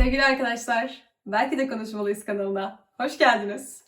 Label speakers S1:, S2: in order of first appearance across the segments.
S1: Sevgili arkadaşlar, Belki de Konuşmalıyız kanalına hoş geldiniz.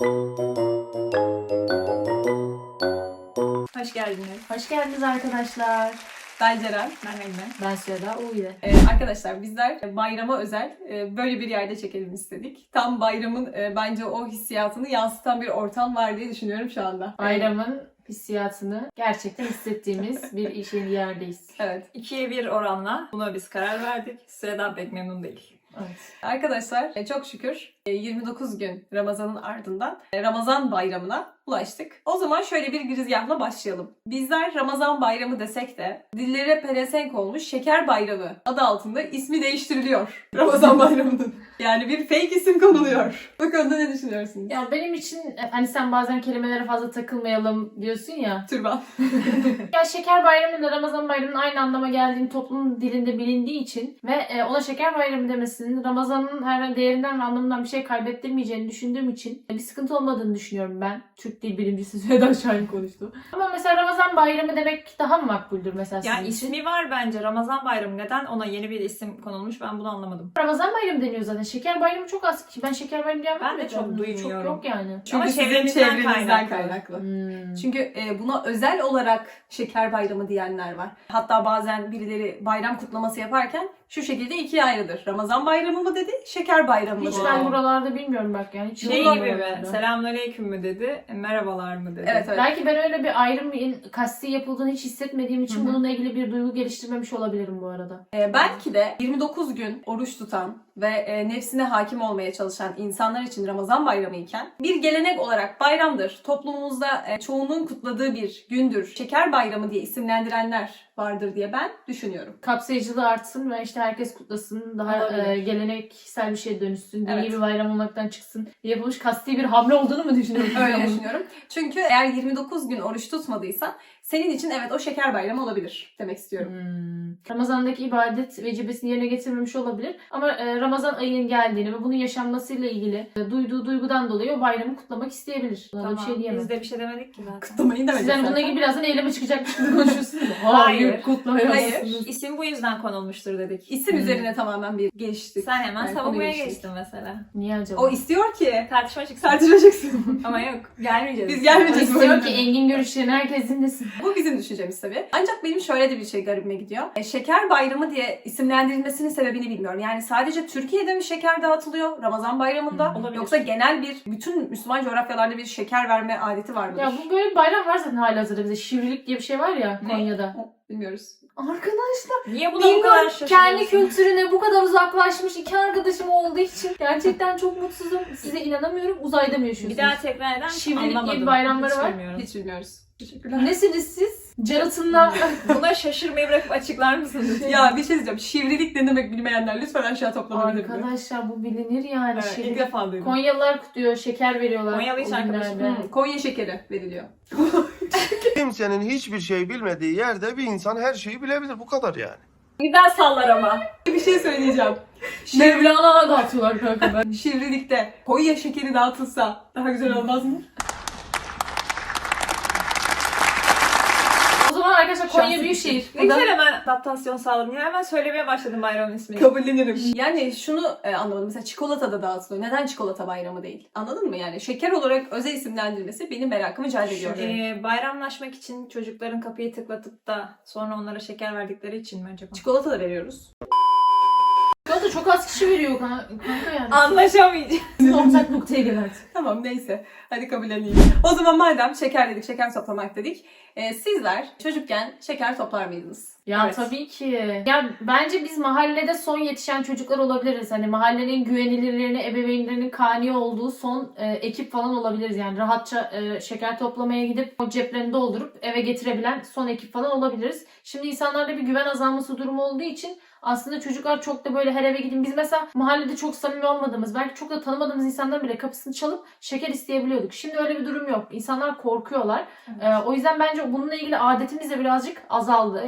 S2: Hoş geldiniz.
S3: Hoş geldiniz arkadaşlar.
S1: Ben Ceren.
S2: Ben Emine.
S3: Ben Süheda Uğur'u.
S1: Arkadaşlar bizler bayrama özel böyle bir yerde çekelim istedik. Tam bayramın bence o hissiyatını yansıtan bir ortam var diye düşünüyorum şu anda.
S3: Bayramın hissiyatını gerçekten hissettiğimiz bir işin yerdeyiz.
S1: Evet.
S2: 2'ye 1 oranla buna biz karar verdik. Sıradan pek memnun değil.
S3: Evet.
S1: Arkadaşlar çok şükür 29 gün Ramazan'ın ardından Ramazan bayramına ulaştık. O zaman şöyle bir girizgahla başlayalım. Bizler Ramazan bayramı desek de dillere pelesenk olmuş Şeker Bayramı adı altında ismi değiştiriliyor Ramazan bayramının. Yani bir fake isim konuluyor. Bu konuda ne düşünüyorsunuz?
S3: Ya benim için hani sen bazen kelimelere fazla takılmayalım diyorsun ya.
S1: Türban.
S3: Ya Şeker Bayramı ile Ramazan Bayramı'nın aynı anlama geldiğini toplumun dilinde bilindiği için ve ona Şeker Bayramı demesinin Ramazan'ın her değerinden ve anlamından bir şey kaybettirmeyeceğini düşündüğüm için bir sıkıntı olmadığını düşünüyorum ben. Türk Dil Bilimcisi Süheda Şahin konuştu. Ama mesela Ramazan Bayramı demek daha mı makbuldür mesela sizin
S2: Yani
S3: için?
S2: ismi var bence Ramazan Bayramı. Neden ona yeni bir isim konulmuş ben bunu anlamadım.
S3: Ramazan Bayramı deniyor zaten. Şeker Bayramı çok az ki. Ben Şeker Bayramı diyen
S2: Ben de
S3: var
S2: çok
S3: mı?
S2: duymuyorum.
S3: Çok yok yani.
S1: Çünkü
S2: Ama
S1: sizin
S2: çevremizden
S1: çevrenizden
S2: kaynaklı.
S1: kaynaklı.
S3: Hmm.
S1: Çünkü buna özel olarak Şeker Bayramı diyenler var. Hatta bazen birileri bayram kutlaması yaparken şu şekilde ikiye ayrılır. Ramazan Bayramı mı dedi, Şeker Bayramı mı
S3: Hiç
S1: dedi.
S3: ben buralarda bilmiyorum bak yani. Hiç
S2: Şey
S3: yok
S2: gibi mi?
S3: oralarda.
S2: Selamünaleyküm mü dedi, merhabalar mı dedi.
S1: Evet evet.
S3: Belki ben öyle bir ayrımın kasti yapıldığını hiç hissetmediğim için
S1: Hı hı.
S3: bununla ilgili bir duygu geliştirmemiş olabilirim bu arada.
S1: Belki de 29 gün oruç tutan ve nefsine hakim olmaya çalışan insanlar için Ramazan bayramı iken bir gelenek olarak bayramdır. Toplumumuzda çoğunun kutladığı bir gündür. Şeker bayramı diye isimlendirenler vardır diye ben düşünüyorum.
S3: Kapsayıcılığı artsın ve işte herkes kutlasın. Daha
S2: Olabilir.
S3: geleneksel bir şeye dönüşsün. Dini
S1: Evet.
S3: bir bayram olmaktan çıksın. Yapılmış kasti bir hamle olduğunu mu düşünüyorsun?
S1: Öyle düşünüyorum. Çünkü eğer 29 gün oruç tutmadıysan senin için evet o şeker bayramı olabilir demek istiyorum.
S3: Ramazan'daki ibadet vecibesini yerine getirmemiş olabilir. Ama Ramazan ayının geldiğini ve bunun yaşanmasıyla ilgili duyduğu duygudan dolayı o bayramı kutlamak isteyebilir. Buna da bir şey diyemem.
S2: Biz de bir şey demedik ki zaten.
S1: Kutlamayı
S3: Siz hani bununla ilgili birazdan eyleme çıkacakmış gibi konuşuyorsunuz.
S2: Hayır.
S3: Kutlayamazsınız.
S2: İsim bu yüzden konulmuştur dedik.
S1: İsim üzerine tamamen bir geçtik.
S2: Sen hemen
S1: Yani
S2: savunmaya
S1: konuyu geçtik.
S2: geçtin mesela.
S3: Niye acaba?
S1: O istiyor ki
S2: Tartışma çıksın.
S1: tartışacaksın.
S2: Ama yok. Gelmeyeceğiz.
S1: Biz gelmeyeceğiz.
S3: İstiyor ki engin görüşlerini herkes dinlesin.
S1: Bu bizim düşüncemiz tabii. Ancak benim şöyle de bir şey garibime gidiyor. Şeker bayramı diye isimlendirilmesinin sebebini bilmiyorum. Yani sadece Türkiye'de mi şeker dağıtılıyor Ramazan bayramında?
S2: Olabilir.
S1: Yoksa genel bir bütün Müslüman coğrafyalarda bir şeker verme adeti var mıdır?
S3: Ya bu böyle bir bayram var zaten halihazırda bize. Şivrilik diye bir şey var ya
S2: Ne?
S3: Konya'da.
S1: Bilmiyoruz.
S3: Arkadaşlar
S2: Niye buna bu kadar
S3: bilmiyorum kendi
S2: şaşırıyorsun?
S3: kültürüne bu kadar uzaklaşmış iki arkadaşım olduğu için gerçekten çok mutsuzum. Size inanamıyorum. Uzayda mı yaşıyorsunuz?
S2: Bir daha tekrar eder misin?
S3: Şivrilik diye bir
S2: Anlamadım.
S3: bayramları
S2: Hiç
S3: var.
S2: bilmiyorum.
S1: Hiç bilmiyoruz. Teşekkürler.
S3: Nesiniz siz? Jonathan'la
S2: Buna şaşırmayı bırakıp açıklar mısınız?
S1: Ya bir şey diyeceğim. Şivrilik ne demek bilmeyenler lütfen aşağı toplanabilir mi?
S3: arkadaşlar bu bilinir yani.
S1: Evet, ilk
S3: Şivrilik.
S1: defa duydum.
S3: Konyalılar kutluyor, şeker veriyorlar.
S2: Konyalı hiç
S3: o
S2: arkadaşım.
S3: günlerde.
S1: Konya şekeri veriliyor.
S4: Kimsenin hiçbir şey bilmediği yerde bir insan her şeyi bilebilir. Bu kadar yani.
S2: Güzel sallar ama.
S1: Bir şey söyleyeceğim.
S3: Mevlana'na dağıtıyorlar kanka ben.
S1: Şivrilikte Konya şekeri dağıtılsa daha güzel olmaz mı?
S3: O zaman arkadaşlar Konya
S1: Şahsi
S3: Büyükşehir.
S2: Ne
S3: Burada
S2: güzel hemen adaptasyon sağladım. Ya hemen söylemeye başladım bayramın ismini.
S1: Kabullenirim. Yani şunu anlamadım. Mesela çikolata da dağıtılıyor. Neden çikolata bayramı değil? Anladın mı yani? Şeker olarak özel isimlendirmesi benim merakımı celbediyor.
S2: Bayramlaşmak için çocukların kapıyı tıklatıp da sonra onlara şeker verdikleri için mi acaba?
S1: Çikolata da veriyoruz.
S3: da çok az kişi veriyor kanka yani.
S2: Anlaşamayacağım.
S3: Ortak noktaya gel artık.
S1: Tamam neyse. Hadi kabulleneyim. O zaman madem şeker dedik, şeker toplamak dedik. Sizler çocukken şeker toplar mıydınız?
S3: Ya
S1: Evet.
S3: tabii ki. Ya bence biz mahallede son yetişen çocuklar olabiliriz. Hani mahallenin güvenilirlerine, ebeveynlerinin kani olduğu son ekip falan olabiliriz. Yani rahatça şeker toplamaya gidip o ceplerini doldurup eve getirebilen son ekip falan olabiliriz. Şimdi insanlarda bir güven azalması durumu olduğu için aslında çocuklar çok da böyle her eve gidin. Biz mesela mahallede çok samimi olmadığımız, belki çok da tanımadığımız insanların bile kapısını çalıp şeker isteyebiliyorduk. Şimdi öyle bir durum yok. İnsanlar korkuyorlar. O yüzden bence bununla ilgili adetimiz de birazcık azaldı. Yani herkes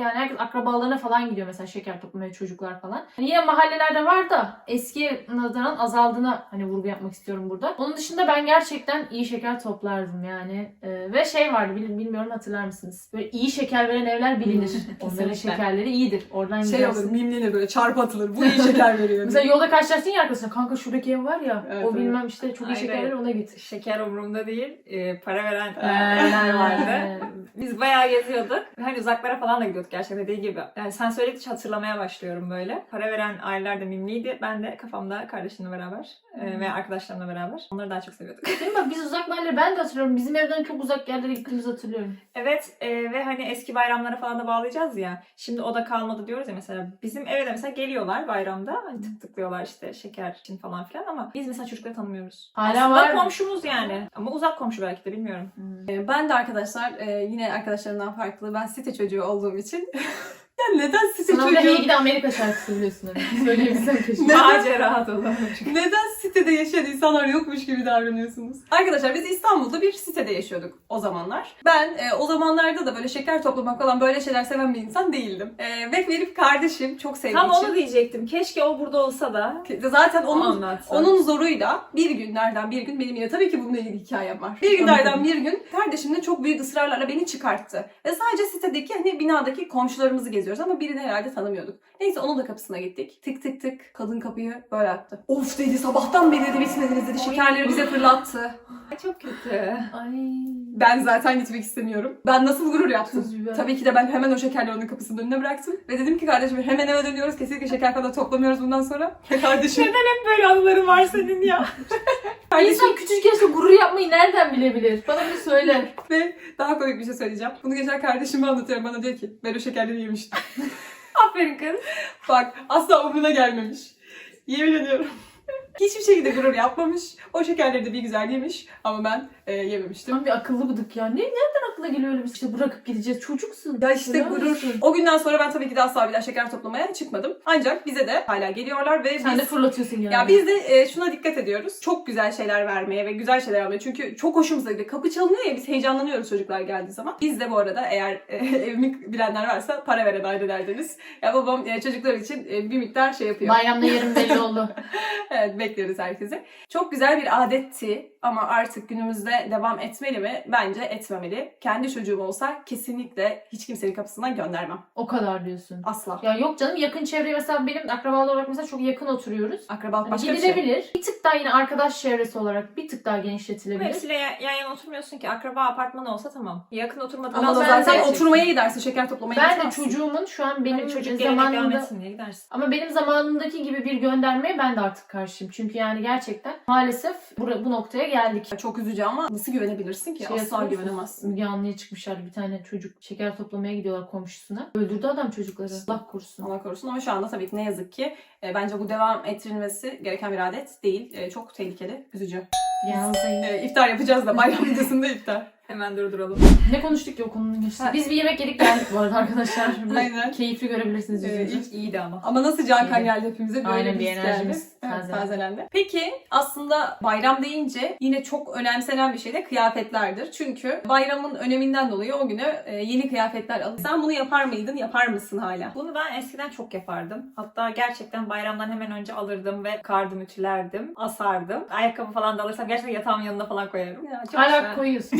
S3: akrabalarına falan gidiyor mesela şeker toplamaya çocuklar falan. Hani yine mahallelerde var da eski nazaran azaldığına hani vurgu yapmak istiyorum burada. Onun dışında ben gerçekten iyi şeker toplardım yani. Ve şey vardı bilmiyorum hatırlar mısınız? Böyle iyi şeker veren evler bilinir. Onların şekerleri iyidir. Oradan
S1: Şey
S3: gidersin.
S1: olur, mimlenir böyle, çarpı atılır. Bu iyi şeker veriyor.
S3: Mesela yolda karşılaştın ya arkadaşlar, kanka şuradaki ev var ya,
S1: Evet,
S3: o
S1: evet.
S3: bilmem işte çok iyi
S2: Hayır,
S3: şeker verir, ona git.
S2: Şeker umurumda değil. Para veren evler vardı. Biz bayağı geziyorduk. Hani uzaklara falan da gidiyorduk gerçekten dediği gibi. Yani sen söyledikçe hatırlamaya başlıyorum böyle. Para veren aileler de mimliydi. Ben de kafamda kardeşimle beraber ve arkadaşlarımla beraber. Onları daha çok seviyorduk.
S3: Değil mi? Biz uzak mahalle, ben de hatırlıyorum. Bizim evden çok uzak yerlere gittiğimizi hatırlıyorum.
S2: Evet ve hani eski bayramlara falan da bağlayacağız ya. Şimdi o da kalmadı diyoruz ya mesela. Bizim eve de mesela geliyorlar bayramda. Hani tıklıyorlar işte şeker için falan filan ama biz mesela çocukları tanımıyoruz.
S3: Hala
S2: Aslında
S3: var mı?
S2: komşumuz yani. Ama uzak komşu belki de bilmiyorum.
S1: Ben de arkadaşlar yine arkadaşlarımdan farklı. Ben site çocuğu olduğum için. Ya neden site
S3: Sınavda
S1: çocuğu?
S3: Hey Gidi Amerika şarkısı biliyorsun. Söyleyebilsem keşke.
S2: Macera dolu.
S1: Neden sitede yaşayan insanlar yokmuş gibi davranıyorsunuz? Arkadaşlar biz İstanbul'da bir sitede yaşıyorduk o zamanlar. Ben o zamanlarda da böyle şeker toplamak falan böyle şeyler seven bir insan değildim. Ve benim kardeşim çok sevdiği
S2: Tam
S1: için.
S2: onu diyecektim. Keşke o burada olsa da
S1: Zaten
S2: onu
S1: onun
S2: anlatsa.
S1: onun zoruyla bir günlerden bir gün, benim yine tabii ki bununla ilgili hikayem var. Bir günlerden bir gün kardeşimle çok büyük ısrarlarla beni çıkarttı. Ve sadece sitedeki hani binadaki komşularımızı geziyoruz ama birini herhalde tanımıyorduk. Neyse onun da kapısına gittik. Tık tık tık. Kadın kapıyı böyle attı. Of dedi, sabahtan beri dedi bitmediniz dedi. Şekerleri bize fırlattı.
S2: Çok kötü.
S3: Ay.
S1: Ben zaten gitmek istemiyorum. Ben nasıl gurur yaptım.
S3: Tuz biber.
S1: Tabii ki de ben hemen o şekerleri onun kapısının önüne bıraktım. Ve dedim ki kardeşim hemen eve dönüyoruz. Kesinlikle şeker falan toplamıyoruz bundan sonra. Ve kardeşim...
S2: Hep böyle anıların var senin ya.
S1: kardeşim
S3: İnsan küçük yaşta gurur yapmayı nereden bilebilir? Bana bir söyle.
S1: ve daha komik bir şey söyleyeceğim. Bunu geçen kardeşime anlatıyorum. Bana diyor ki ben o şekerleri yemiştim.
S2: Aferin kız.
S1: Bak asla umruna gelmemiş. Yemin ediyorum. Hiçbir şekilde gurur yapmamış. O şekerleri de bir güzel yemiş. Ama ben yememiştim.
S3: Tam bir akıllı bıdık ya. Nereden aklına geliyor öyle bir şey? Bırakıp gideceğiz. Çocuksun.
S1: Ya işte
S3: Helal
S1: gurur.
S3: olsun.
S1: O günden sonra ben tabii ki de asla bir daha şeker toplamaya çıkmadım. Ancak bize de hala geliyorlar ve
S3: Sen
S1: biz...
S3: de fırlatıyorsun yani.
S1: Ya biz de şuna dikkat ediyoruz. Çok güzel şeyler vermeye ve güzel şeyler almaya. Çünkü çok hoşumuza gidiyor. Kapı çalınıyor ya, biz heyecanlanıyoruz çocuklar geldiği zaman. Biz de bu arada eğer evimi bilenler varsa para veren aileleriniz. Ya babam çocuklar için bir miktar şey yapıyor.
S3: Bayramda yerim belli oldu.
S1: Evet, bekleriz herkese. Çok güzel bir adetti ama artık günümüzde devam etmeli mi? Bence etmemeli. Kendi çocuğum olsa kesinlikle hiç kimsenin kapısından göndermem.
S3: O kadar diyorsun.
S1: Asla.
S3: Ya yok canım, yakın çevreye mesela benim akrabalar olarak mesela çok yakın oturuyoruz.
S1: Akrabalık
S3: Hani
S1: başka bir şey.
S3: gidilebilir. Bir tık daha yine arkadaş çevresi olarak bir tık daha
S2: Ama
S3: genişletilebilir.
S2: hepsiyle yan yana oturmuyorsun ki. Akraba apartmanı olsa tamam. Yakın oturmadığın
S1: Ama
S3: ben
S1: zaten
S3: de-
S1: oturmaya gidersin, şeker toplamaya
S3: Ben de
S1: gitmezsin.
S3: çocuğumun şu an
S2: benim
S3: benim
S2: çocuk gelene devam
S3: zamanında
S2: etsin diye gidersin.
S3: ama benim zamanımdaki gibi bir göndermeye ben de artık karşıyım. Çünkü yani gerçekten maalesef bu noktaya geldik.
S1: Çok üzücü ama nasıl güvenebilirsin ki?
S3: Şey
S1: Asla
S3: hatırlıyor musun?
S1: güvenemezsin.
S3: Müge Anlı'ya çıkmışlardı, bir tane çocuk şeker toplamaya gidiyorlar komşusuna. Öldürdü adam çocukları. Allah korusun.
S1: Allah korusun ama şu anda tabii ki ne yazık ki bence bu devam ettirilmesi gereken bir adet değil. Çok tehlikeli, üzücü.
S3: Yalnız
S1: İftar yapacağız da bayram videosunda iftar.
S2: Hemen durduralım.
S3: ne konuştuk ki o konunun geçti.
S1: Ha.
S3: Biz bir yemek yedik geldik bu arada arkadaşlar. Böyle
S1: Aynen.
S3: Keyifli görebilirsiniz yüzünüzü.
S2: İlk iyiydi ama.
S1: Ama nasıl can kan
S3: İyi.
S1: geldi hepimize, böyle
S3: Aynen,
S1: bir
S3: bir
S1: his geldi.
S3: enerjimiz
S1: Evet,
S3: tazelendi.
S1: tazelendi. Peki aslında bayram deyince yine çok önemsenen bir şey de kıyafetlerdir. Çünkü bayramın öneminden dolayı o güne yeni kıyafetler alın. Sen bunu yapar mıydın, yapar mısın hala?
S2: Bunu ben eskiden çok yapardım. Hatta gerçekten bayramdan hemen önce alırdım ve kardım, ütülerdim, asardım. Ayakkabı falan da alırsam gerçekten yatağımın yanına falan koyarım. Ya, çok
S3: Hala
S2: güzel.
S3: koyuyorsun.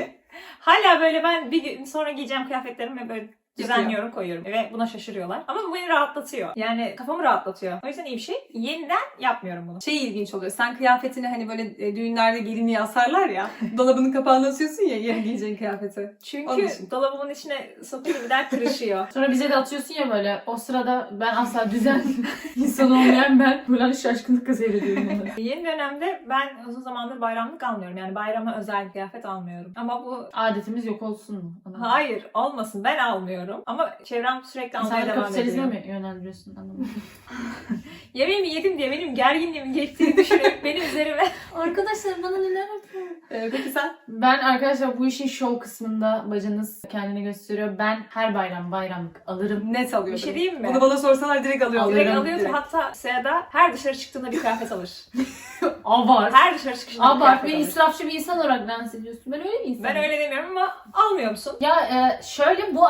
S2: Hala böyle ben bir gün sonra giyeceğim kıyafetlerimi ve böyle düzenliyorum, koyuyorum ve buna şaşırıyorlar. Ama bu beni rahatlatıyor. Yani kafamı rahatlatıyor. O yüzden iyi bir şey. Yeniden yapmıyorum bunu.
S1: Şey ilginç oluyor. Sen kıyafetini hani böyle düğünlerde gelinliğe asarlar ya. Dolabının kapağını asıyorsun ya yarın giyeceğin kıyafeti. Onun
S2: Çünkü
S1: için.
S2: dolabımın içine sokuyorum, bir daha kırışıyor.
S3: Sonra bize de atıyorsun ya böyle. O sırada ben asla düzen insanı olmayan ben böyle şaşkınlıkla seyrediyorum onları.
S2: Yeni dönemde ben uzun zamandır bayramlık almıyorum. Yani bayrama özel kıyafet almıyorum. Ama bu
S3: Adetimiz yok olsun mu? Anlamadım.
S2: hayır olmasın, ben almıyorum. Ama çevrem sürekli almaya
S3: Sen
S2: devam
S3: kapitalizme
S2: ediyor.
S3: mi yönlendiriyorsun? Anlamadım.
S2: Yemeğimi yedim diye benim gerginliğimin geçtiğini düşünüp benim üzerime.
S3: Arkadaşlar bana neler yapıyor?
S1: Peki sen?
S3: Ben arkadaşlar bu işin şov kısmında bacınız kendini gösteriyor. Ben her bayramlık alırım.
S1: Net alıyordum.
S2: Bir şey diyeyim mi?
S1: Bunu bana sorsalar direkt alıyorum.
S2: Direkt
S3: Alırım,
S2: alıyorsun, hatta Seda her dışarı çıktığında bir kıyafet alır.
S3: Abart.
S2: Her dışarı çıkışında bir
S3: Abart.
S2: kıyafet
S3: Beni
S2: alır.
S3: israfçı bir insan olarak lanse ediyorsun. Ben öyle bir insanım.
S2: Ben öyle demiyorum ama almıyor musun?
S3: Ya şöyle bu ara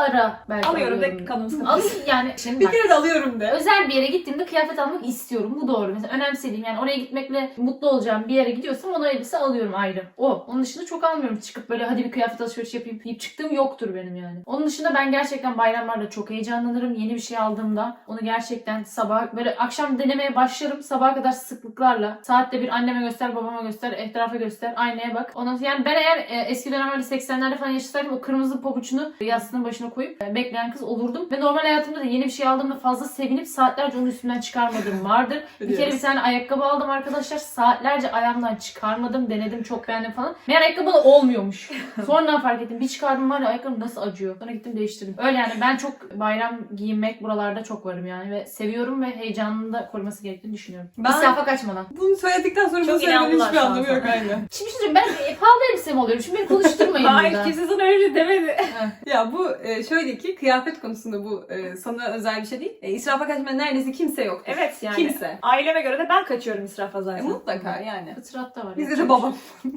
S3: belki
S2: Alıyorum
S3: alıyorum.
S2: de kanım sıkılır.
S3: Alayım yani. Şimdi
S1: Bir
S3: bak.
S1: kere de alıyorum de.
S3: Özel bir yere gittiğimde kıyafet almak istiyorum. Bu doğru. Mesela önemsediğim yani oraya gitmekle mutlu olacağım bir yere gidiyorsam ona elbise alıyorum ayrı. Onun dışında çok almıyorum. Çıkıp böyle hadi bir kıyafet alışverişi yapayım deyip çıktığım yoktur benim yani. Onun dışında ben gerçekten bayramlarda çok heyecanlanırım. Yeni bir şey aldığımda onu gerçekten sabah böyle akşam denemeye başlarım. Sabaha kadar sıklıklarla. Saatte bir anneme göster, babama göster, etrafa göster, aynaya bak. Ondan sonra yani ben eğer eski dönemlerde 80'lerde falan yaşasaydım o kırmızı pabuçunu yastığının başına koyup bekleyen kız olurdum. Ve normal hayatımda da yeni bir şey aldığımda fazla sevinip saatlerce onun üstünden çıkarmadığım vardır. Bir kere bir tane ayakkabı aldım arkadaşlar. Saatlerce ayağımdan çıkarmadım. Denedim, çok beğendim falan. Meğer ayakkabı da olmuyormuş. Sonradan fark ettim. Bir çıkardım var ya ayakkabım nasıl acıyor. Sonra gittim değiştirdim. Öyle yani ben çok bayram giyinmek buralarda çok varım yani. Ve seviyorum ve heyecanını da koruması gerektiğini düşünüyorum.
S1: Ben-
S3: İsrafa kaçmadan.
S1: Bunu söyledikten sonra
S2: Çok
S1: bunu söylemenin
S2: inandılar
S1: hiçbir
S2: şu an
S1: anlamı yok
S2: sana.
S1: aynen.
S3: Şimdi bir şey söyleyeyim, ben pahalı elbise mi alıyorum? Şimdi beni konuşturmayın
S2: Hayır
S3: burada.
S2: kimse sana öyle demedi.
S1: Ya bu şöyle ki kıyafet konusunda bu sana özel bir şey değil. İsrafa kaçmayan neredeyse kimse yok.
S2: Evet yani.
S1: Kimse.
S2: Aileme göre de ben kaçıyorum israfa zaten.
S1: Mutlaka yani.
S3: Fıtrat da var.
S1: Bizde
S3: yapacak
S1: de
S3: bir
S1: babam.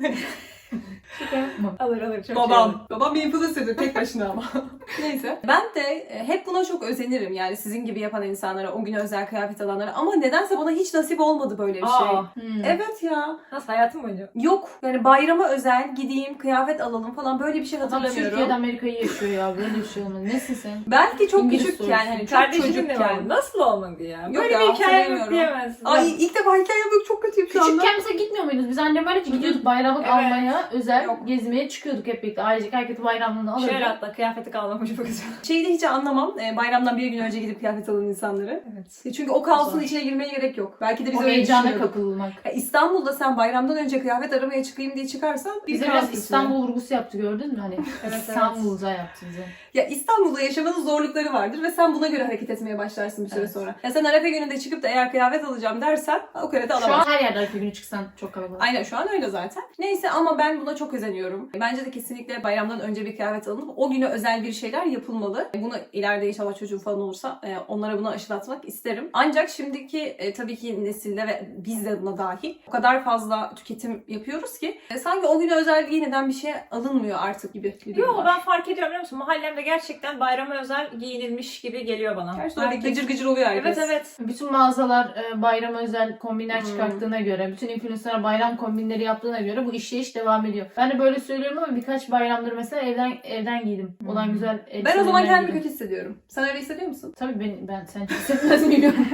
S2: Alır çok
S1: Babam. Babam bir influencer'dır tek başına ama. Neyse. Ben de hep buna çok özenirim yani sizin gibi yapan insanlara, o gün özel kıyafet alanlara. Ama nedense bana hiç nasip olmadı böyle bir şey.
S2: Aa,
S1: Evet ya.
S2: nasıl hayatım boyunca?
S1: Yok. Yani bayrama özel gideyim kıyafet alalım falan böyle bir şey
S3: Adam
S1: hatırlamıyorum.
S3: Türkiye'de Amerika'yı yaşıyor ya. Böyle bir şey olmaz. Nesin sen?
S1: Belki çok
S3: İngiliz
S1: küçük
S3: sorusu.
S1: yani hani çok
S2: Kardeşimin de
S1: çocukken.
S2: var. Nasıl olmadı ya?
S1: Yok
S2: Böyle
S1: ya,
S2: bir hikaye yok
S1: hatırlamıyorum.
S2: diyemezsin.
S1: Ay ilk defa hikayem yok, çok kötüyüm şu anda.
S3: Küçükken mesela gitmiyor muydunuz? Biz annemlerle gidiyorduk bayramlık
S2: Evet.
S3: almaya, özel
S1: Yok.
S3: gezmeye çıkıyorduk hep birlikte. Ailecek herkes bayramlığını alırdı.
S2: Şöyle hatta kıyafeti kalmamış çok güzel.
S1: Şeyi de hiç anlamam. Bayramdan bir gün önce gidip kıyafet alan insanları.
S2: Evet.
S1: Çünkü o kaosun
S3: Zor.
S1: içine girmeye gerek yok. Belki de biz
S3: O
S1: öyle
S3: heyecana
S1: düşünüyorduk.
S3: kapılmak.
S1: Ya İstanbul'da sen bayramdan önce kıyafet aramaya çıkayım diye çıkarsan bir
S3: Bize
S1: kaos
S3: biraz
S1: geçiyor.
S3: İstanbul vurgusu yaptı, gördün mü? Hani
S2: Evet,
S3: İstanbul'da yaptı bize.
S1: Ya İstanbul'da yaşamanın zorlukları vardır ve sen buna göre hareket etmeye başlarsın bir süre
S3: Evet.
S1: sonra. Ya sen Arefe gününde çıkıp da eğer kıyafet alacağım dersen o kadar da
S3: Şu
S1: alamazsın.
S3: an her yerde arka günü çıksan çok kalabalık.
S1: Aynen şu an öyle zaten. Neyse ama ben buna çok özeniyorum. Bence de kesinlikle bayramdan önce bir kıyafet alınıp o güne özel bir şeyler yapılmalı. Bunu ileride inşallah çocuğum falan olursa onlara bunu aşılatmak isterim. Ancak şimdiki tabii ki nesilde ve biz de buna dahil o kadar fazla tüketim yapıyoruz ki sanki o güne özel yeniden bir şey alınmıyor artık gibi bir durum
S2: Yok
S1: var.
S2: ben fark ediyorum biliyor musun? Mahallemde gerçekten bayrama özel giyinilmiş gibi geliyor bana.
S1: Gerçi öyle gıcır gıcır oluyor herkes.
S2: Evet evet.
S3: Bütün mağazalar bayrama özel kombinler
S1: Hmm.
S3: çıkarttığına göre, bütün influencerlar bayram kombinleri yaptığına göre bu işleyiş devam ediyor. Ben de böyle söylüyorum ama birkaç bayramdır mesela evden giydim. Olan güzel
S1: Ben o zaman
S3: elbiselerimden
S1: kendimi
S3: giydim.
S1: kötü hissediyorum. Sen öyle hissediyor musun?
S3: Tabii ben sen çok hissetmez miyim?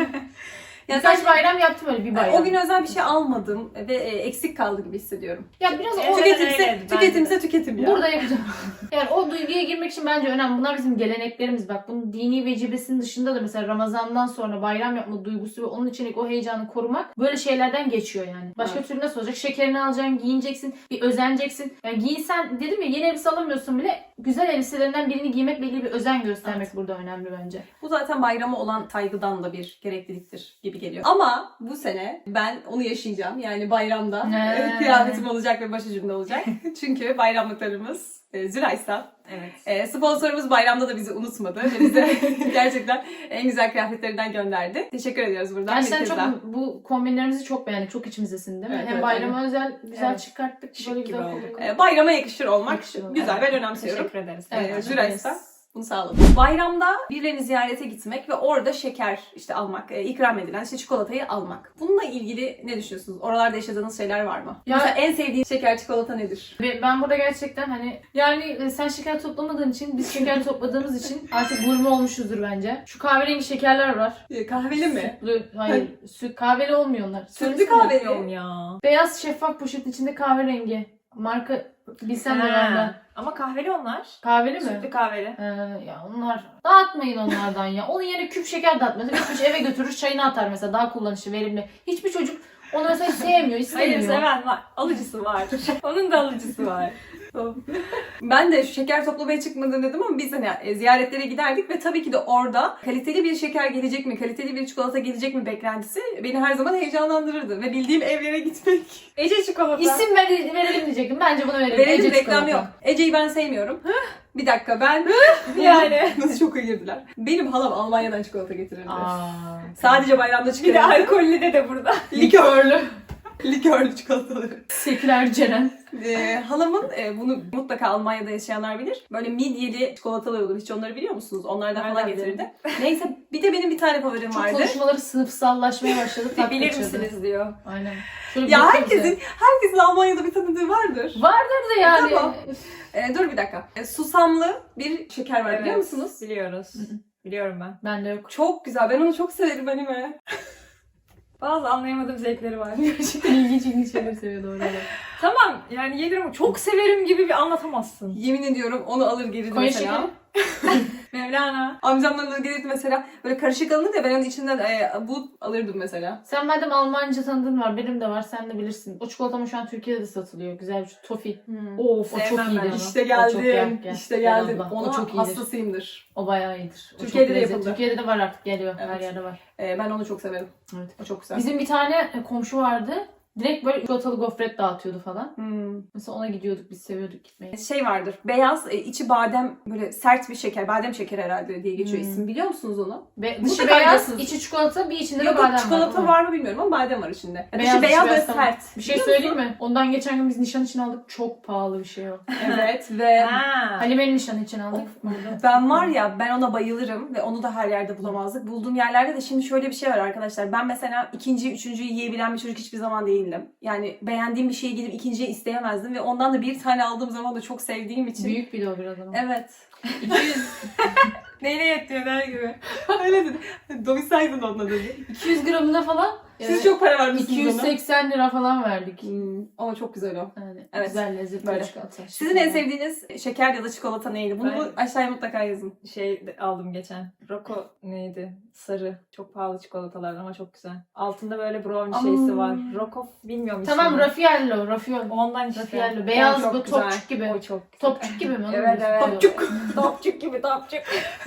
S1: Ya
S3: Birkaç bayram yaptım öyle bir bayram.
S1: o gün özel bir şey almadım ve eksik kaldı gibi hissediyorum.
S3: Ya biraz o
S2: Evet,
S1: Tüketimse
S2: öyle,
S1: tüketimse tüketim ya.
S3: burada yapacağım. Yani o duyguya girmek için bence önemli. Bunlar bizim geleneklerimiz. Bak bunun dini vecibesinin dışında da mesela Ramazan'dan sonra bayram yapma duygusu ve onun içindeki o heyecanı korumak böyle şeylerden geçiyor yani. Başka
S1: Evet.
S3: türlü nasıl olacak? Şekerini alacaksın, giyineceksin, bir özeneceksin. Yani giyinsen dedim ya yeni elbise alamıyorsun bile güzel elbiselerinden birini giymekle ilgili bir özen göstermek burada önemli bence.
S1: Bu zaten bayrama olan saygıdan da bir gerekliliktir gibi geliyor. Ama bu sene ben onu yaşayacağım. Yani bayramda kıyafetim olacak ve başucumda olacak. Çünkü bayramlıklarımız Zürays'tan.
S2: Evet.
S1: Sponsorumuz bayramda da bizi unutmadı ve bize gerçekten en güzel kıyafetlerinden gönderdi. Teşekkür ediyoruz buradan.
S3: Gerçekten
S1: bir kez daha.
S3: çok bu kombinlerimizi çok beğendik. Çok içimizdesin değil mi?
S1: Evet,
S3: Hem
S1: evet,
S3: bayrama özel güzel
S2: Evet.
S3: çıkarttık.
S2: Şık
S3: Böyle
S2: gibi
S3: güzel
S2: olduk.
S3: kombin.
S1: Bayrama yakışır olmak
S3: Yakışır olmak.
S1: güzel. Ben önemsiyorum.
S2: Teşekkür ederiz.
S3: Evet.
S1: Zürays'tan. Bunu sağladım. Bayramda birilerini ziyarete gitmek ve orada şeker işte almak, ikram edilen işte çikolatayı almak. Bununla ilgili ne düşünüyorsunuz? Oralarda yaşadığınız şeyler var mı?
S3: Ya-
S1: Mesela en sevdiğin şeker çikolata nedir?
S3: Ve ben burada gerçekten hani yani sen şeker toplamadığın için biz şeker topladığımız için artık gurme olmuşuzdur bence. Şu kahverengi şekerler var.
S1: Kahveli mi?
S3: Sütlü, hayır. Süt kahveli olmuyor onlar.
S1: Sütlü
S3: Söylesene.
S1: kahveli.
S2: Bilmiyorum ya.
S3: Beyaz şeffaf poşetin içinde kahverengi. Marka bilsen de
S2: Ha,
S3: benden.
S2: Ama kahveli onlar.
S3: Kahveli mi?
S2: Sütlü kahveli.
S3: Ya onlar dağıtmayın onlardan ya. Onun yerine küp şeker dağıtmasın. Üç eve götürür çayını atar mesela daha kullanışlı verimli. Hiçbir çocuk onu mesela sevmiyor, istemiyor.
S2: Hayır seven var. Alıcısı var. Onun da alıcısı var.
S1: Ben de şu şeker toplamaya çıkmadım dedim ama biz hani ziyaretlere giderdik ve tabii ki de orada kaliteli bir şeker gelecek mi, kaliteli bir çikolata gelecek mi beklentisi beni her zaman heyecanlandırırdı ve bildiğim evlere gitmek.
S2: Ece çikolata.
S3: İsim verelim diyecektim. Bence bunu verelim.
S1: Verelim,
S3: Ece
S1: reklam
S3: çikolata.
S1: yok. Ece'yi ben sevmiyorum. Bir dakika ben
S2: Yani.
S1: nasıl çok iyi girdiler. Benim halam Almanya'dan çikolata getirirdi.
S3: Aa.
S1: Sadece bayramda
S2: Bir de
S1: çıkarırdı.
S2: alkollü de burada.
S1: Likörlü. Likörlü çikolataları.
S3: Seküler Ceren.
S1: Halamın bunu mutlaka Almanya'da yaşayanlar bilir. Böyle midyeli çikolatalar olur. Hiç onları biliyor musunuz? Onlardan falan
S2: Nereden
S1: getirdi. Neyse bir de benim bir tane favorim
S3: Çok
S1: vardı.
S3: konuşmaları sınıfsallaşmaya başladı. tat
S2: Bilir
S3: kaçırdı.
S2: misiniz diyor.
S3: Aynen. Şöyle bir
S1: Ya
S3: bakıyor
S1: herkesin Almanya'da bir tanıdığı vardır.
S3: bize. Vardır da yani.
S1: Tamam. Dur bir dakika. Susamlı bir şeker var biliyor musunuz?
S2: Biliyoruz. Biliyorum ben.
S3: Bende yok.
S1: Çok güzel. Ben onu çok severim anime.
S2: Bazı anlayamadığım zevkleri var.
S3: Gerçekten ilginç şeyler seviyor doğru.
S2: Tamam yani yedim çok severim gibi bir anlatamazsın.
S1: Yemin ediyorum onu alır gelirdi
S3: Konya
S1: mesela.
S3: şekeri.
S2: Mevlana.
S1: Amcamdan alır gelirdi mesela. Böyle karışık alınır ya ben onun içinden bu alırdım mesela.
S3: Sen madem Almanca tanıdığın var, benim de var, sen de bilirsin. O çikolata şu an Türkiye'de de satılıyor. Güzel bir tofi. Of o çok
S2: Sevmem ben
S3: iyidir.
S2: onu.
S1: İşte
S3: O çok
S1: geldim.
S3: gel.
S1: İşte
S3: Gel
S1: geldim.
S3: abla, o
S1: Ona
S3: çok iyidir.
S1: hastasıyımdır.
S3: O bayağı iyidir. O
S1: Türkiye'de
S3: çok
S1: de
S3: lezzetli.
S1: yapıldı.
S3: Türkiye'de de var artık, geliyor. Her
S1: Evet.
S3: yerde var.
S1: Ben onu çok severim.
S3: Evet.
S1: O çok güzel.
S3: Bizim bir tane komşu vardı. Direkt böyle çikolatalı gofret dağıtıyordu falan.
S1: Hmm.
S3: Mesela ona gidiyorduk, biz seviyorduk gitmeyi.
S1: Şey vardır. Beyaz, içi badem, böyle sert bir şeker. Badem şekeri herhalde diye geçiyor
S3: Hmm.
S1: isim. Biliyor musunuz onu?
S3: Dışı
S1: Mutlaka
S3: beyaz,
S1: biliyorsunuz.
S3: içi çikolata, bir içinde
S1: Yok
S3: de badem
S1: çikolata
S3: var.
S1: var mı bilmiyorum ama badem var içinde.
S3: Beyaz,
S1: Dışı beyaz
S3: beyaz,
S1: ve
S3: tamam.
S1: sert.
S3: Bir şey
S1: Biliyor
S3: söyleyeyim
S1: musun?
S3: mi? Ondan geçen gün biz nişan için aldık. Çok pahalı bir şey o.
S1: Evet ve
S2: Ha.
S3: Halime'nin nişanı için aldık.
S1: ben var ya ben ona bayılırım ve onu da her yerde bulamazdık. Bulduğum yerlerde de şimdi şöyle bir şey var arkadaşlar. Ben mesela ikinci, üçüncüyü yiyebilen bir çocuk hiçbir zaman değildim. Yani beğendiğim bir şeyi gidip ikinciye isteyemezdim ve ondan da bir tane aldığım zaman da çok sevdiğim için.
S3: Büyük bir de o biraz ama.
S1: Evet.
S3: 200,
S2: Neyle yetiyor der gibi.
S1: Öyle dedi. Doysaydın onunla dedi.
S3: 200 gramına falan
S1: Siz çok para vermişsiniz ona.
S3: 280 lira falan verdik.
S1: Ama çok güzel o.
S3: Yani
S1: Evet.
S3: güzel lezzetli
S1: Böyle.
S3: çikolata.
S1: Sizin en sevdiğiniz şeker ya da çikolata neydi? Bunu
S2: Ben-
S1: aşağıya mutlaka yazın.
S2: Aldım geçen. Rocco neydi? Sarı. Çok pahalı çikolatalar ama çok güzel. Altında böyle brownie şeysi var. Rocco bilmiyorum
S3: Tamam,
S2: ismini.
S3: Raffaello, Raffaello.
S2: Ondan işte.
S3: Raffaello. Beyaz
S1: çok
S3: bu
S1: güzel.
S3: topçuk gibi.
S2: O çok güzel.
S3: Topçuk gibi mi? Onu
S2: Evet,
S3: biliyorsun.
S2: evet.
S1: Topçuk.
S2: Topçuk gibi topçuk.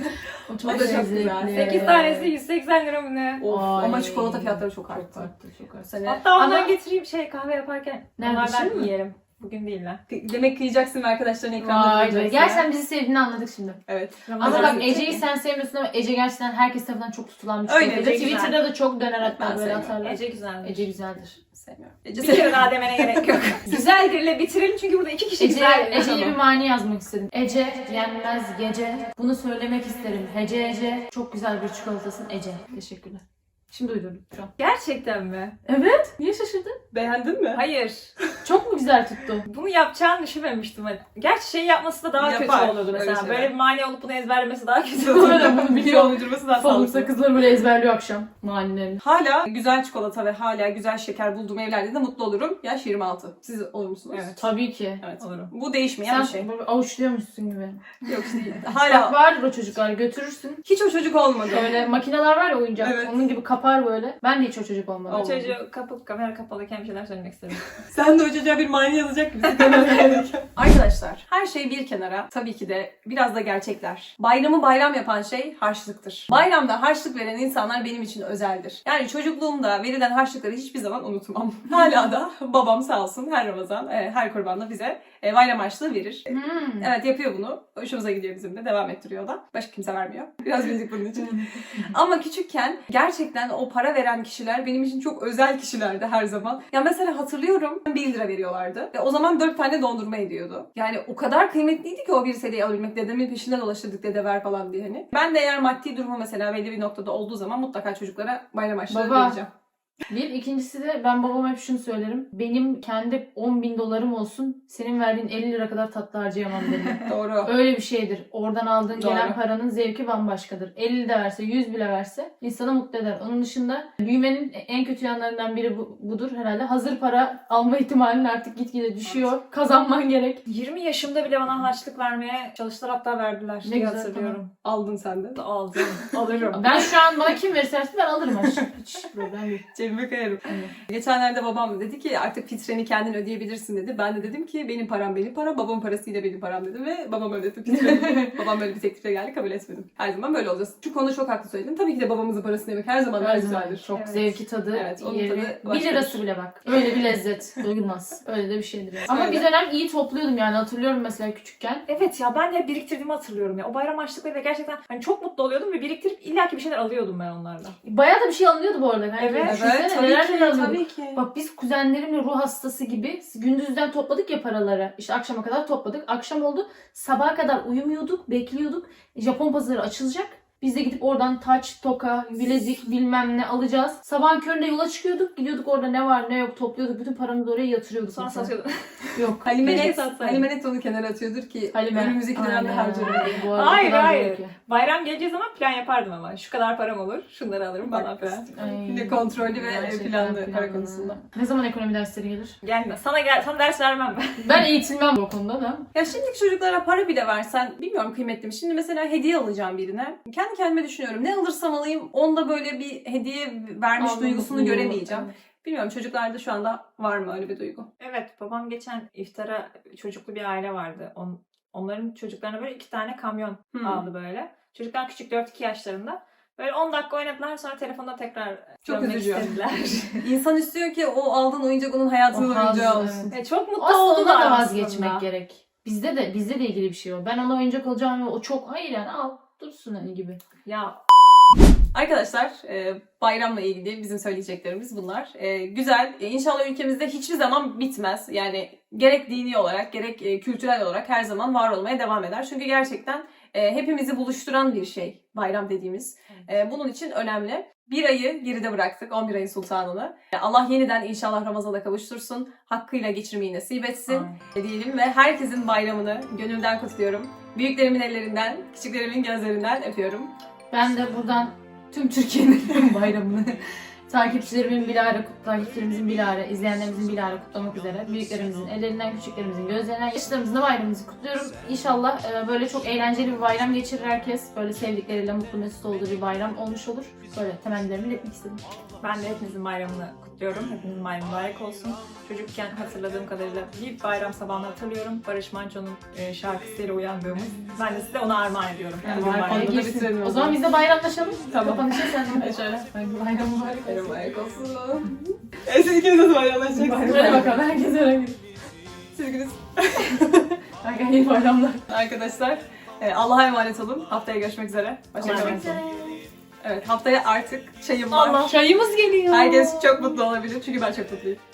S3: O çok
S1: O da çok
S3: lezzetli.
S1: güzel.
S2: 8 tanesi 180 lira mı ne?
S1: Of,
S3: Ay.
S1: ama çikolata fiyatları çok
S3: Çok
S1: arttı.
S3: arttı, çok arttı.
S1: Sene.
S2: Hatta ondan
S3: Ama-
S2: getireyim kahve yaparken.
S3: Nerede,
S2: Onlardan
S3: şimdi mi?
S2: yiyelim. Bugün değil lan.
S1: Yemek kıyacaksın ve arkadaşların ekranda
S3: Vay be.
S1: göreceksin.
S3: Gerçekten bizi sevdiğini anladık şimdi.
S1: Evet.
S3: Ama
S2: Ramazan
S3: bak
S2: bitti.
S3: Ece'yi sen sevmiyorsun ama Ece gerçekten herkes tarafından çok tutulan bir
S1: Öyle,
S3: çikolata.
S1: Ece güzel.
S3: Twitter'da da çok döner hatta
S1: Ben
S3: böyle
S1: sevmiyorum.
S3: atarlar.
S2: Ece güzelmiş.
S3: Ece güzeldir.
S1: Sevmiyorum.
S2: Bir kere daha demene gerek yok. Güzeldirle bitirelim çünkü burada 2 kişi
S3: Ece'ye
S2: güzel.
S3: Ece'ye bir mani yazmak istedim. Ece yenmez gece. Bunu söylemek isterim. Ece çok güzel bir çikolatasın Ece. Teşekkürler. Şimdi uydurdum şu an.
S2: Gerçekten mi?
S3: Evet. Niye şaşırdın?
S1: Beğendin mi?
S2: Hayır.
S3: Çok mu güzel tuttu?
S2: Bunu yapacağını düşünmemiştim. Gerçi şey yapması da daha
S1: Yapar,
S2: kötü olurdu
S1: öyle
S2: mesela.
S1: şeyler.
S2: Böyle bir mani olup bunu ezberlemesi daha kötü
S3: Öyle
S2: olurdu.
S3: bunu biliyor.
S1: Uydurması daha
S3: Pamuk
S1: sağlıklı.
S3: sakızları böyle ezberliyor akşam. Manilerini.
S1: Hala güzel çikolata ve hala güzel şeker bulduğum evlerde de mutlu olurum. Yaş 26. Siz olur musunuz?
S2: Evet.
S3: Tabii ki.
S1: Evet.
S2: Olurum.
S1: Bu değişmeyen bir şey.
S3: Sen böyle avuçluyormuşsun gibi.
S1: Yok değil.
S3: Bak
S1: Hala
S3: vardır o çocuklar, götürürsün.
S1: hiç o çocuk olmadı.
S3: Böyle makineler var ya, oyuncak.
S1: Evet.
S3: Onun gibi kapar böyle. Ben de hiç o çocuk olmadım.
S2: O çocuğu kamera kapalıyken bir şeyler söylemek istedim.
S1: Sen de o çocuğa bir mani yazacak gibisin. Arkadaşlar her şey bir kenara. Tabii ki de biraz da gerçekler. Bayramı bayram yapan şey harçlıktır. Bayramda harçlık veren insanlar benim için özeldir. Yani çocukluğumda verilen harçlıkları hiçbir zaman unutmam. Hala da babam sağ olsun her Ramazan, her kurbanda bize bayram harçlığı verir. Evet yapıyor bunu. Hoşumuza gidiyor bizim de. Devam ettiriyor da. Başka kimse vermiyor. Biraz bildik bunun için. Ama küçükken gerçekten o para veren kişiler benim için çok özel kişilerdi her zaman. Ya mesela hatırlıyorum 1 lira veriyorlardı. Ve o zaman 4 tane dondurma ediyordu. Yani o kadar kıymetliydi ki o 1 TL'yi alabilmek. Dedemin peşinde dolaşırdık dede ver falan diye hani. Ben de eğer maddi durumu mesela belli bir noktada olduğu zaman mutlaka çocuklara bayram harçlığı
S3: Baba.
S1: vereceğim.
S3: Bir, ikincisi de ben babama hep şunu söylerim. Benim kendi 10.000 dolarım olsun, senin verdiğin 50 lira kadar tatlı harcayamam derim.
S1: Doğru.
S3: Öyle bir şeydir. Oradan aldığın
S1: Doğru.
S3: gelen paranın zevki bambaşkadır. 50 de verse, 100 bile verse insanı mutlu eder. Onun dışında büyümenin en kötü yanlarından biri budur herhalde. Hazır para alma ihtimalin artık gitgide düşüyor. Kazanman gerek.
S2: 20 yaşımda bile bana harçlık vermeye çalıştılar, hatta verdiler.
S3: Ne
S2: diye
S3: güzel,
S2: hatırlıyorum.
S1: Aldın sen de.
S2: Aldım. Alırım.
S3: Ben şu an bana kim verirse versin ben alırım aşkım. Hiç problem değil.
S1: Cebime koyarım.
S3: Evet.
S1: Geçenlerde babam dedi ki artık fitreni kendin ödeyebilirsin dedi. Ben de dedim ki benim param benim param, babamın parasıyla benim param dedim ve babam ödedi fitreni. Babam böyle bir teklifle geldi, kabul etmedim. Her zaman böyle olacağız. Şu konuda çok haklı söyledin. Tabii ki de babamızın parasını yemek her zaman daha güzeldir.
S3: Çok
S2: Evet.
S3: zevki tadı,
S1: Evet, onun
S3: yeri.
S1: tadı
S3: 1
S1: başkadır.
S3: lirası bile bak. Öyle bir lezzet. Doyulmaz. Öyle de bir şeydir yani. Ama
S1: Öyle.
S3: bir dönem iyi topluyordum yani, hatırlıyorum mesela küçükken.
S2: Evet ya, ben de biriktirdiğimi hatırlıyorum ya. O bayram harçlıklarıyla gerçekten hani çok mutlu oluyordum ve biriktirip illaki bir şeyler alıyordum ben onlarla.
S3: Bayağı da bir şey alınıyordu bu arada. Bence.
S2: Evet.
S3: Düşününce Düşünsene
S1: tabii
S3: neler
S1: ki,
S3: neler alıyorduk.
S1: tabii ki.
S3: Bak biz kuzenlerimle ruh hastası gibi gündüzden topladık ya paraları. İşte akşama kadar topladık. Akşam oldu. Sabaha kadar uyumuyorduk, bekliyorduk. Japon pazarı açılacak. Biz de gidip oradan taç, toka, bilezik bilmem ne alacağız. Sabahın köründe yola çıkıyorduk. Gidiyorduk orada ne var ne yok topluyorduk. Bütün paramızı oraya yatırıyorduk.
S2: Sonra
S3: mesela.
S2: satıyordum.
S3: Yok.
S1: Halime net onu kenara atıyordur ki
S3: Halime.
S1: önümüzdeki dönemde
S3: Aynen.
S1: harcarım.
S3: Bu arada
S2: Hayır,
S3: o kadar
S2: hayır.
S3: doğru ki.
S2: Bayram geleceği zaman plan yapardım ama. Şu kadar param olur, şunları alırım falan
S1: Bak,
S2: filan.
S3: Ay,
S1: yine kontrollü ve
S3: gerçekten
S1: planlı para konusunda.
S3: Ne zaman ekonomi dersleri gelir?
S2: Gelme. Sana ders vermem ben.
S3: Ben eğitilmem bu konuda da.
S1: Ya şimdiki çocuklara para bile versen bilmiyorum kıymetli mi? Şimdi mesela hediye alacağım birine. Kendi kendime düşünüyorum. Ne alırsam alayım onda böyle bir hediye vermiş
S3: Aldım,
S1: duygusunu
S3: mutluluğu.
S1: göremeyeceğim. Bilmiyorum çocuklarda şu anda var mı öyle bir duygu?
S2: Evet, babam geçen iftara çocuklu bir aile vardı. Onların çocuklarına böyle 2 tane kamyon aldı böyle. Çocuklar küçük 4-2 yaşlarında. Böyle 10 dakika oynadılar sonra telefonda tekrar
S1: Çok
S2: dönmek
S1: üzücü.
S2: istediler.
S1: İnsan istiyor ki o aldığın oyuncak onun hayatının
S3: O haz,
S1: oyuncağı olsun.
S2: Çok mutlu
S3: Aslında
S2: oldular
S3: da
S2: aslında.
S3: vazgeçmek gerek. Bizde de ilgili bir şey o. Ben ona oyuncak alacağım ve o çok hayır yani al dursun hani gibi.
S2: Ya
S1: Arkadaşlar bayramla ilgili bizim söyleyeceklerimiz bunlar. Güzel. İnşallah ülkemizde hiçbir zaman bitmez. Yani gerek dini olarak gerek kültürel olarak her zaman var olmaya devam eder. Çünkü gerçekten hepimizi buluşturan bir şey bayram dediğimiz. Bunun için önemli. Bir ayı geride bıraktık. 11 ayın sultanını. Allah yeniden inşallah Ramazan'a kavuştursun. Hakkıyla geçirmeyi nasip etsin. Diyelim ve herkesin bayramını gönülden kutluyorum. Büyüklerimin ellerinden, küçüklerimin gözlerinden öpüyorum.
S3: Ben de buradan tüm Türkiye'nin bayramını takipçilerimizin bilahare, izleyenlerimizin bilahare kutlamak üzere. Büyüklerimizin ellerinden, küçüklerimizin gözlerinden, yaşlarımızın da bayramımızı kutluyorum. İnşallah böyle çok eğlenceli bir bayram geçirir herkes. Böyle sevdikleriyle mutlu mesut olduğu bir bayram olmuş olur. Böyle temennilerimi iletmek istedim.
S2: ben de hepinizin bayramını kutluyorum. Hepinizin bayramı mübarek olsun. Çocukken hatırladığım kadarıyla bir bayram sabahını hatırlıyorum. Barış Manço'nun şarkısıyla uyandığımız. Ben de size onu armağan ediyorum.
S3: Yani
S2: Bugün
S3: bayram
S2: bayram.
S1: Bayramda bitirelim
S3: O zaman biz de bayramlaşalım.
S1: Tamam.
S3: Kapanışı sen de şöyle. Bayram mübarek olsun.
S1: Bayram olsun. Siz ikiniz nasıl bayramlaşacaksınız?
S3: Hadi bakalım herkes öyle gidiyor.
S1: Siz ikiniz.
S3: Herkese iyi bayramlar.
S1: Arkadaşlar Allah'a emanet olun. Haftaya görüşmek üzere. Hoşçakalın. Evet haftaya artık çayım var.
S3: Çayımız geliyor.
S1: Herkes çok mutlu olabilir çünkü ben çok mutluyum.